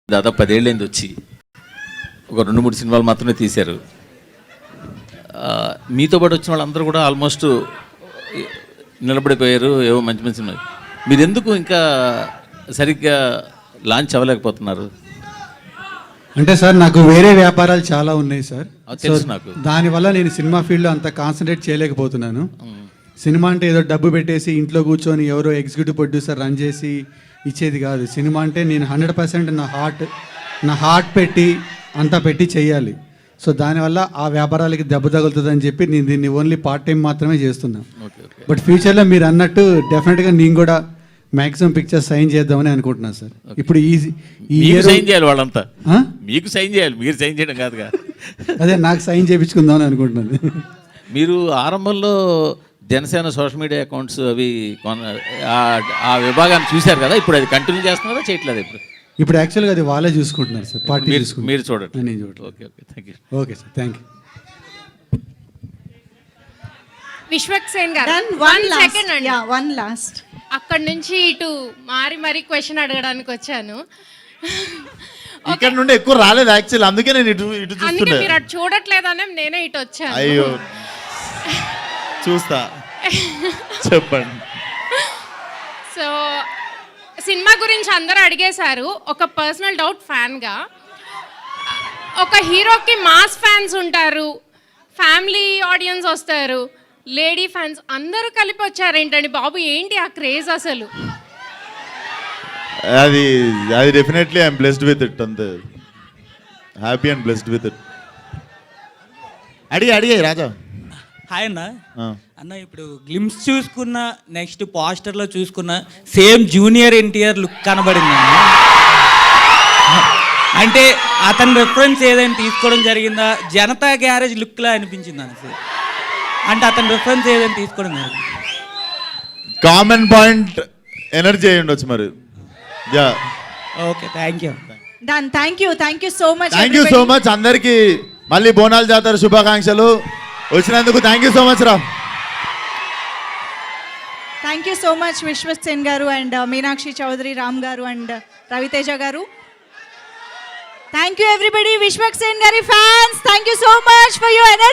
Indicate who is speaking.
Speaker 1: దాదాపు 10 ఏళ్ళైంది వచ్చి ఒక 2-3 సినిమాలు మాత్రమే తీశారు. మీతో పాటు వచ్చిన వాళ్ళందరూ కూడా ఆల్మోస్ట్ నిలబడిపోయారు. ఏవో మంచి మంచి సినిమాలు. మీరు ఎందుకు ఇంకా సరిగ్గా లాంచ్ అవ్వలేకపోతున్నారు?
Speaker 2: అంటే సార్ నాకు వేరే వ్యాపారాలు చాలా ఉన్నాయి సార్.
Speaker 1: తెలుసు నాకు.
Speaker 2: దానివల్ల నేను సినిమా ఫీల్డ్లో అంత కాన్సన్ట్రేట్ చేయలేకపోతున్నాను. సినిమా అంటే ఏదో డబ్బు పెట్టేసి ఇంట్లో కూర్చొని ఎవరో ఎగ్జిక్యూటివ్ ప్రొడ్యూసర్ రన్ చేసి ఇచ్చేది కాదు. సినిమా అంటే నేను 100% నా హార్ట్ పెట్టి అంతా పెట్టి చేయాలి. సో దానివల్ల ఆ వ్యాపారాలకి దెబ్బ తగులుతుందని చెప్పి నేను దీన్ని ఓన్లీ పార్ట్ టైం మాత్రమే చేస్తున్నాను. బట్ ఫ్యూచర్లో మీరు అన్నట్టు డెఫినెట్గా నేను కూడా మ్యాక్సిమం పిక్చర్స్ సైన్ చేద్దామని అనుకుంటున్నాను సార్. ఇప్పుడు
Speaker 1: సైన్ చేయాలి వాళ్ళంతా, మీకు సైన్ చేయాలి, మీరు సైన్ చేయడం కాదుగా.
Speaker 2: అదే నాకు సైన్ చేయించుకుందామని అనుకుంటున్నాను.
Speaker 1: మీరు ఆరంభంలో జనసేన సోషల్ మీడియా అకౌంట్స్ అవి ఆ విభాగాన్ని చూశారు కదా, ఇప్పుడు అది కంటిన్యూ చేస్తున్నారా చేయట్లేదు?
Speaker 2: ఇప్పుడు యాక్చువల్గా అది వాళ్ళే చూసుకుంటున్నారు సార్. పార్టీ
Speaker 1: మీరు చూడండి.
Speaker 2: నేను చూడండి.
Speaker 1: Okay thank you.
Speaker 2: Okay sir, thank you.
Speaker 3: Vishwaksen garu
Speaker 4: one last
Speaker 3: అక్కడ నుంచి ఇటు మారి క్వశ్చన్ అడగడానికి వచ్చాను.
Speaker 5: ఇక్కడ నుండి ఎక్కువ రాలేదు యాక్చువల్, అందుకే నేను ఇటు చూస్తున్నా.
Speaker 3: మీరు అటు చూడట్లేదనే నేనే ఇటు వచ్చాను.
Speaker 5: అయ్యో చూస్తా, చెప్పండి.
Speaker 3: సో సినిమా గురించి అందరూ అడిగేశారు. ఒక పర్సనల్ డౌట్ ఫ్యాన్గా, ఒక హీరోకి మాస్ ఫ్యాన్స్ ఉంటారు, ఫ్యామిలీ ఆడియన్స్ వస్తారు, లేడీ ఫ్యాన్స్ అందరూ కలిపి వచ్చారు ఏంటండి బాబు, ఏంటి ఆ క్రేజ్ అసలు?
Speaker 5: అది definitely I'm blessed with it, అంతే. Happy and blessed with it. అడిగే రాజా.
Speaker 6: హాయ్ అన్న. అన్న ఇప్పుడు గ్లిమ్స్ చూసుకున్న, నెక్స్ట్ పోస్టర్లో చూసుకున్న సేమ్ జూనియర్ ఎన్టీఆర్ లుక్ కనబడింది. అంటే అతని రెఫరెన్స్ ఏదైనా తీసుకోవడం జరిగిందా? జనతా గ్యారేజ్ లుక్లా అనిపించింది అన్న. అంటే అతని రెఫరెన్స్ ఏదైనా తీసుకోవడం జరిగింది?
Speaker 5: కామన్ పాయింట్ ఎనర్జీ అయ్యి ఉండొచ్చు మరి. Yeah
Speaker 6: okay, thank you.
Speaker 4: Done. Thank you so much
Speaker 5: అందరికీ మళ్ళీ బోనాల జాతర శుభాకాంక్షలు. వచ్చినందుకు థ్యాంక్ యూ సో మచ్ రా.
Speaker 4: Thank you so much Vishwaksen garu and Meenakshi Chowdary, Ram గారు అండ్ రవితేజ గారు. Thank you everybody. విశ్వక్సేన్ గారి fans, thank you so much for your energy.